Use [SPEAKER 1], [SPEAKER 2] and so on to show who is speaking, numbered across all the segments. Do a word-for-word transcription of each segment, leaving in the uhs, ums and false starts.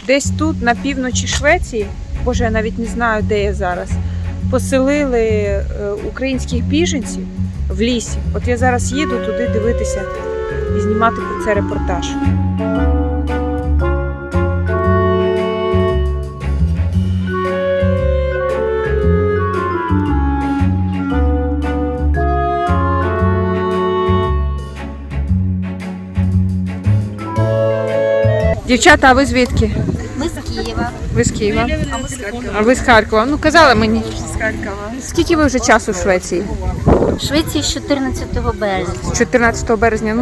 [SPEAKER 1] Десь тут, на півночі Швеції, боже, я навіть не знаю, де я зараз, поселили українських біженців в лісі. От я зараз їду туди дивитися і знімати про це репортаж. Дівчата, а ви звідки?
[SPEAKER 2] Ми з Києва.
[SPEAKER 1] Ви з Києва?
[SPEAKER 2] А ми з Харкова.
[SPEAKER 1] А ви з Харкова? Ну, казали мені.
[SPEAKER 2] З Харкова.
[SPEAKER 1] Скільки ви вже часу в Швеції?
[SPEAKER 2] В Швеції з чотирнадцятого березня.
[SPEAKER 1] З чотирнадцятого березня. Ну.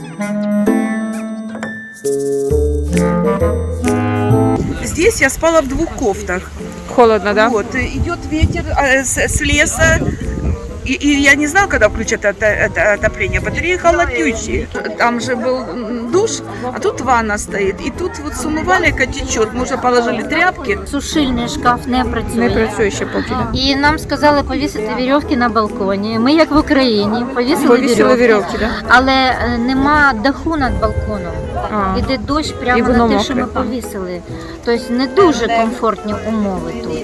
[SPEAKER 3] Здесь я спала в двух кофтах.
[SPEAKER 1] Холодно, да?
[SPEAKER 3] Вот, идет ветер а, с, с леса. И, и я не знала, когда включат это, это отопление. Батареи холодючие. Там же был душ, а тут ванна стоит. И тут вот с умывальника течет. Мы уже положили тряпки.
[SPEAKER 2] Сушильний шкаф не працює.
[SPEAKER 1] Не працює ще поки, да?
[SPEAKER 2] І нам сказали повісити вірьовки на балконі. Ми, як в Україні, повісили,
[SPEAKER 1] Повісили
[SPEAKER 2] вірьовки.
[SPEAKER 1] вірьовки, да?
[SPEAKER 2] Але е, нема даху над балконом.
[SPEAKER 1] А.
[SPEAKER 2] Іде дощ
[SPEAKER 1] І
[SPEAKER 2] прямо
[SPEAKER 1] воно
[SPEAKER 2] на те, що ми
[SPEAKER 1] мокре.
[SPEAKER 2] повісили. Тобто не дуже комфортні умови тут.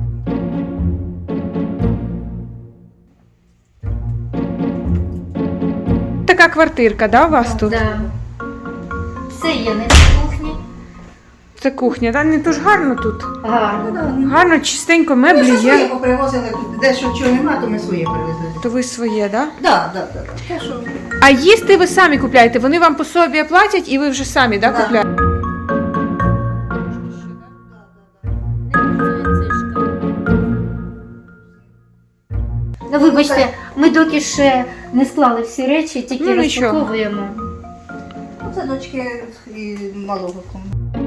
[SPEAKER 1] Така квартирка, да, у вас тут?
[SPEAKER 2] Да. Це є не на кухні.
[SPEAKER 1] Це кухня, да? Не то ж гарно тут.
[SPEAKER 2] Гарно.
[SPEAKER 1] Гарно, чистенько,
[SPEAKER 4] Ми
[SPEAKER 1] меблі
[SPEAKER 4] все своє
[SPEAKER 1] є.
[SPEAKER 4] попривозили тут, дещо чого нема, то ми своє привезли.
[SPEAKER 1] То ви своє, да?
[SPEAKER 4] Так, так, так. Те, що...
[SPEAKER 1] А їсти ви самі купляєте? Вони вам по собі платять і ви вже самі, да,
[SPEAKER 4] Да.
[SPEAKER 1] купляєте?
[SPEAKER 2] Ну, вибачте, ми доки ще не склали всі речі, тільки
[SPEAKER 1] Ну, нічого.
[SPEAKER 2] розпаковуємо.
[SPEAKER 4] Це дочки і малого кому.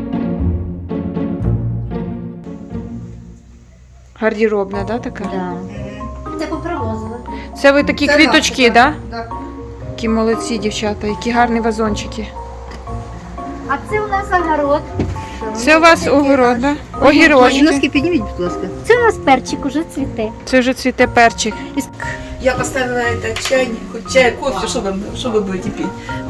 [SPEAKER 1] Гардеробна, да, така?
[SPEAKER 2] Да. Це попривозили.
[SPEAKER 1] Це ви такі
[SPEAKER 4] Це
[SPEAKER 1] квіточки,
[SPEAKER 4] наше,
[SPEAKER 1] да?
[SPEAKER 4] так.
[SPEAKER 1] Які молодці, дівчата, які гарні вазончики.
[SPEAKER 2] А це у нас огород.
[SPEAKER 1] Це у вас огород, да? Огірочки.
[SPEAKER 4] підніміть, будь ласка.
[SPEAKER 2] Це у нас перчик уже цвіте.
[SPEAKER 1] Це вже цвіте перчик.
[SPEAKER 3] Я поставила этот чайник, хоть чай, кофе, что вы, что вы будете пить?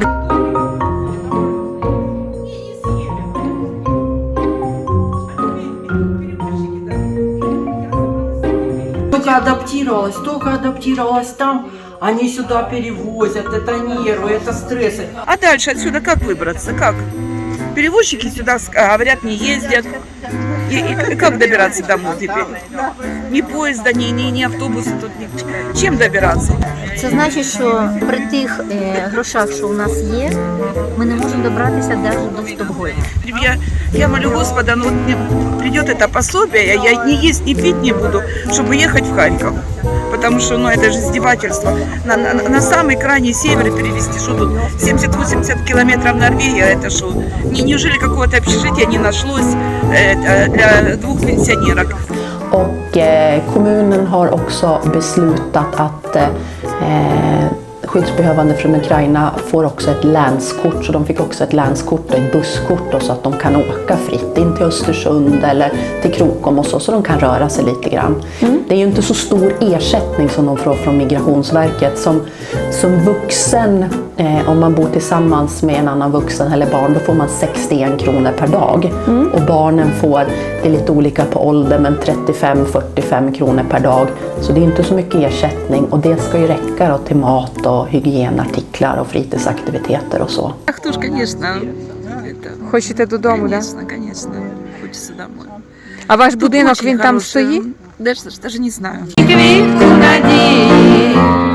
[SPEAKER 5] Только адаптировалась, только адаптировалась там, они сюда перевозят, это нервы, это стрессы.
[SPEAKER 3] А дальше отсюда как выбраться? Как? Перевозчики сюда, а, говорят, не ездят. И, и- и как добираться домой теперь? Ни поезда, ни, ни, ни автобуса тут, ни... Чем добираться?
[SPEAKER 2] Це значить, що при тих е, грошах, що у нас є, ми не можемо добратися навіть до Стокгольма.
[SPEAKER 3] Я, я молю Господа, ну вот мне придет это пособие, я ни есть, ни пить не буду, чтобы ехать в Харьков. Потому что, ну, это же издевательство. На, на, на самый крайний север перевезти, что тут семьдесят-восемьдесят километров Норвегия, это что? Не, неужели какого-то общежития не нашлось э, для двух пенсионерок?
[SPEAKER 6] Och eh, kommunen har också beslutat att eh, skyddsbehövande från Ukraina får också ett länskort, så de fick också ett länskort och ett busskort då, så att de kan åka fritt in till Östersund eller till Krokom och så, så de kan röra sig lite grann. Mm. Det är ju inte så stor ersättning som de får från Migrationsverket. Som, som vuxen, eh, om man bor tillsammans med en annan vuxen eller barn, då får man sextioen kronor per dag. Mm. Och barnen får, det är lite olika på ålder, men trettiofem till fyrtiofem kronor per dag. Så det är inte så mycket ersättning, och det ska ju räcka då till mat och hygienartiklar och fritidsaktiviteter och så.
[SPEAKER 3] Ах, тоже, конечно. Это,
[SPEAKER 1] Хочете додому, да?
[SPEAKER 3] конечно, конечно. Хочется домой.
[SPEAKER 1] А ваш
[SPEAKER 3] Тут
[SPEAKER 1] будинок,
[SPEAKER 3] очень
[SPEAKER 1] він там
[SPEAKER 3] хороший,
[SPEAKER 1] стоїть?
[SPEAKER 3] Даже, даже не знаю.
[SPEAKER 1] Квітку надії